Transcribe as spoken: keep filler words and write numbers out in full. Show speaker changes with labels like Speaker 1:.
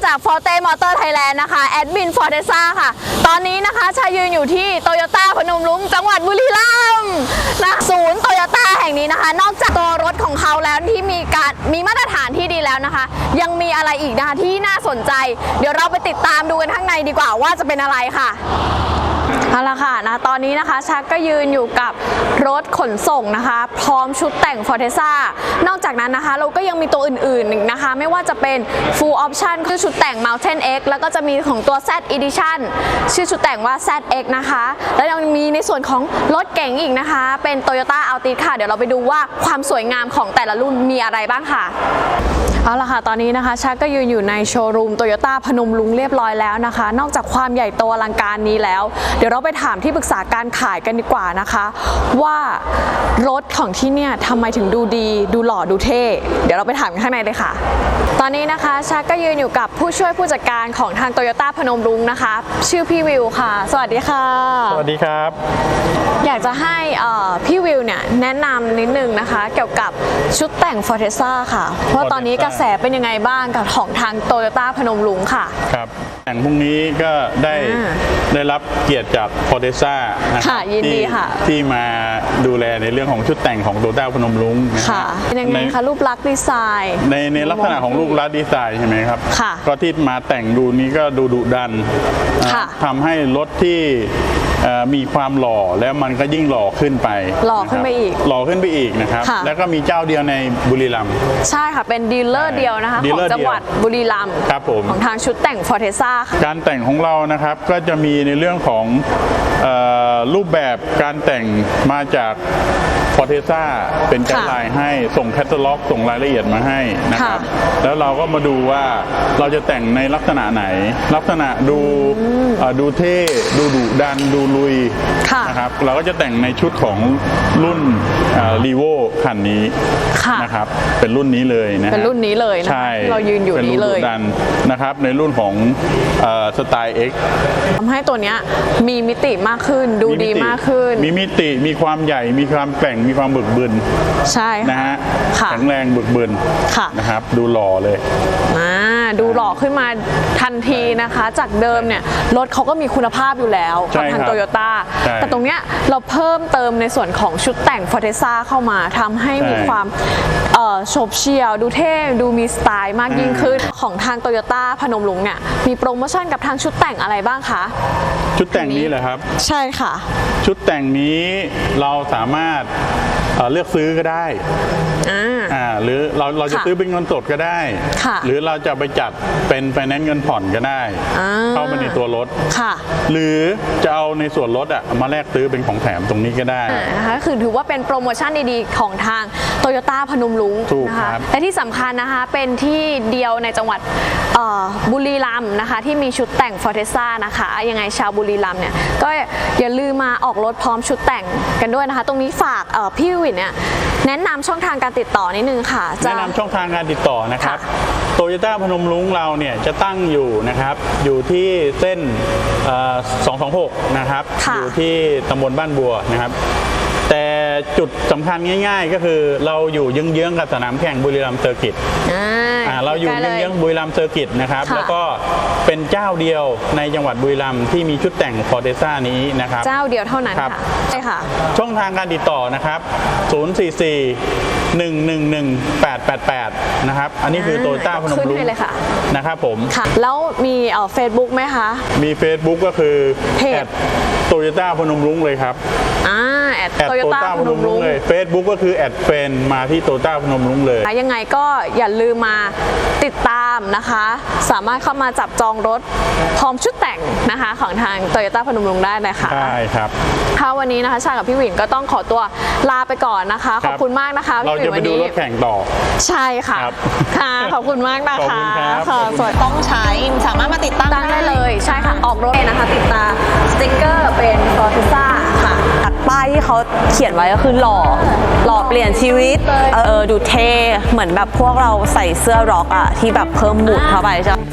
Speaker 1: จาก Forte Motor Thailand นะคะแอดมิน Fortesa ค่ะตอนนี้นะคะชายืนอยู่ที่โตโยต้าพนมรุ้งจังหวัดบุรีรัมย์นะศูนย์โตโยต้าแห่งนี้นะคะนอกจากตัวรถของเขาแล้วที่มีการมีมาตรฐานที่ดีแล้วนะคะยังมีอะไรอีกนะคะที่น่าสนใจเดี๋ยวเราไปติดตามดูกันข้างในดีกว่าว่าจะเป็นอะไรค่ะเอาละค่ะนะตอนนี้นะคะชักก็ยืนอยู่กับรถขนส่งนะคะพร้อมชุดแต่ง Fortesa นอกจากนั้นนะคะเราก็ยังมีตัวอื่นๆอีกนะคะไม่ว่าจะเป็น Full Option คือชุดแต่ง Mountain X แล้วก็จะมีของตัว Z Edition ชื่อชุดแต่งว่า แซด เอ็กซ์ นะคะแล้วยังมีในส่วนของรถเก๋งอีกนะคะเป็น Toyota Altis ค่ะเดี๋ยวเราไปดูว่าความสวยงามของแต่ละรุ่นมีอะไรบ้างค่ะเอาละค่ะตอนนี้นะคะชักก็ยืนอยู่ในโชว์รูมโตโยต้าพนมรุ้งเรียบร้อยแล้วนะคะนอกจากความใหญ่โตอลังการนี้แล้วเดี๋ยวเราไปถามที่ปรึกษาการขายกันดีกว่านะคะว่ารถของที่เนี่ยทำไมถึงดูดีดูหล่อดูเท่เดี๋ยวเราไปถามกันข้างในเลยค่ะตอนนี้นะคะชักก็ยืนอยู่กับผู้ช่วยผู้จัดการของทางโตโยต้าพนมรุ้งนะคะชื่อพี่วิวค่ะสวัสดีค่ะ
Speaker 2: สวัสดีครับ
Speaker 1: อยากจะให้พี่วิวเนี่ยแนะนำนิดนึงนะคะเกี่ยวกับชุดแต่ง Fortesa ค่ะว่าตอนนี้กระแสเป็นยังไงบ้างกับของทางโตโยต้าพนมรุ้งค่ะ
Speaker 2: ครับแต่งพรุ่งนี้ก็ได้ได้รับเกียรติจาก Fortesa
Speaker 1: ค่ะยินดีค่ะ
Speaker 2: ที่มาดูแลในเรื่องของชุดแต่งของโตโยต้าพนมรุ้ง
Speaker 1: ค่ะเป็นยังไงคะรูปลักษณ์ดีไซน์
Speaker 2: ในในลักษณะของรูปลักษณ์ดีไซน์ใช่ไหมครับ
Speaker 1: ค่ะ
Speaker 2: ก็ที่มาแต่งดูนี้ก็ดูดุดันทำให้รถที่มีความหล่อแล้วมันก็ยิ่งหล่อขึ้นไป
Speaker 1: หล่อขึ้นไปอีก
Speaker 2: หล่อขึ้นไปอีกนะครับแล้วก็มีเจ้าเดียวในบุรีรัมย์
Speaker 1: ใช่ค่ะเป็นดีลเลอร์เดียวนะคะของจังหวัดบุรีรัมย์
Speaker 2: ครับผม
Speaker 1: ของทางชุดแต่ง Fortesa
Speaker 2: การแต่งของเรานะครับก็จะมีในเรื่องของรูปแบบการแต่งมาจาก Fortesa เป็นไกด์ไลน์ให้ส่งแคตตาล็อกส่งรายละเอียดมาให้นะครับแล้วเราก็มาดูว่าเราจะแต่งในลักษณะไหนลักษณะดูดูเท่ดูดุดันดูลุยนะครับเราก็จะแต่งในชุดของรุ่นรีโวคันนี้นะครับเป็นรุ่นนี้เลยนะ
Speaker 1: เป็นรุ่นนี้เลยนะเรายืนอยู่นี้เลย
Speaker 2: ดันนะครับในรุ่นของสไตล์ X
Speaker 1: ทำให้ตัวนี้มีมิติมากขึ้นดูดีมากขึ้น
Speaker 2: มีมิติมีความใหญ่มีความแกร่งมีความบึกบึน
Speaker 1: ใช่
Speaker 2: นะฮะแข็งแรงบึกบึนนะครับดูหล่อเลย
Speaker 1: อ่าดูหล่อขึ้นมาทันทีนะคะจากเดิมเนี่ยรถเขาก็มีคุณภาพอยู่แล้วกับทางโตโยต้าแต่ตรงเนี้ยเราเพิ่มเติมในส่วนของชุดแต่ง Fortesa เข้ามาทำให้มีความโฉบเฉี่ยวดูเท่ดูมีสไตล์มากยิ่งขึ้นของทางโตโยต้าพนมรุ้งเนี่ยมีโปรโมชั่นกับทางชุดแต่งอะไรบ้างคะ
Speaker 2: ชุดแต่งนี้เหรอครับ
Speaker 1: ใช่ค่ะ
Speaker 2: ชุดแต่งนี้เราสามารถเลือกซื้อก็ได้อ่าหรือเราเราจะซื้อเป็นเงินสดก็ได้หรือเราจะไปจัดเป็นไฟแนนซ์เงินผ่อนก็ได้เข้ามาในตัวรถหรือจะเอาในส่วนลดอ่ะมาแลกซื้อเป็นของแถมตรงนี้ก็ได้
Speaker 1: นะคะคือถือว่าเป็นโปรโมชั่นดีๆของทางโตโยต้าพนมรุ้งนะคะและที่สำคัญนะคะเป็นที่เดียวในจังหวัดบุรีรัมย์นะคะที่มีชุดแต่ง Fortesa นะคะยังไงชาวบุรีรัมย์เนี่ยก็อย่าลืมมาออกรถพร้อมชุดแต่งกันด้วยนะคะตรงนี้ฝากพี่วินเนี่ยแนะนำช่องทางการติดต่อนิดนึงค่ะ
Speaker 2: แนะนำช่องทางการติดต่อนะครับโตโยต้าพนมรุ้งเราเนี่ยจะตั้งอยู่นะครับอยู่ที่เส้นสองสองหกนะครับอยู่ที่ตำบลบ้านบัวนะครับแต่จุดสำคัญง่ายๆก็คือเราอยู่เยื้องๆกับสนามแข่งบุรีรัมย์เซอร์กิตเราอยู่เยื้องๆบุรีรัมย์เซอร์กิตนะครับแล้วก็เป็นเจ้าเดียวในจังหวัดบุรีรัมย์ที่มีชุดแต่ง Fortesa นี้นะครับ
Speaker 1: เจ้าเดียวเท่านั้นค่ะใช่ค่ะ
Speaker 2: ช่องทางการติดต่อนะครับศูนย์ สี่ สี่ หนึ่ง หนึ่ง หนึ่ง แปด แปด แปดนะครับอันนี้คือโตโยต้าพนมรุ้งนะครับผม
Speaker 1: แล้วมีเฟซบุ๊กไหมคะ
Speaker 2: มี Facebook ก็คือเพจโตโยต้าพนมรุ้งเลยครับ
Speaker 1: อ่าแอดโตโยต้าพนมรุ้ง
Speaker 2: เลย Facebook ก็คือแอดเฟนมาที่โตโยต้าพนมรุ้งเลย
Speaker 1: ยังไงก็อย่าลืมมาติดตามนะคะสามารถเข้ามาจับจองรถพร้อมชุดแต่งนะคะของทางโตโยต้าพนมรุ้งได้นะคะ
Speaker 2: ใช่ครับ
Speaker 1: ค่ะวันนี้นะคะชากับพี่วินก็ต้องขอตัวลาไปก่อนนะคะขอบคุณมากนะคะ
Speaker 2: เราจะไปดูรถแข่งต่อ
Speaker 1: ใช่ค่ะค่ะขอบคุณมากนะคะ
Speaker 2: ค่ะ
Speaker 1: สวยต้องใช้สามารถมาติดตั้งได้เลยใช่ค่ะออกรถนะคะติดตาสติ๊กเกอร์เป็น Fortesa ค่ะตัดป้ายที่เขาเขียนไว้ก็คือหล่อหล่อเปลี่ยนชีวิตเออดูเท่เหมือนแบบพวกเราใส่เสื้อร็อกอะที่แบบเพิ่มบูทเข้าไปใช่ไหม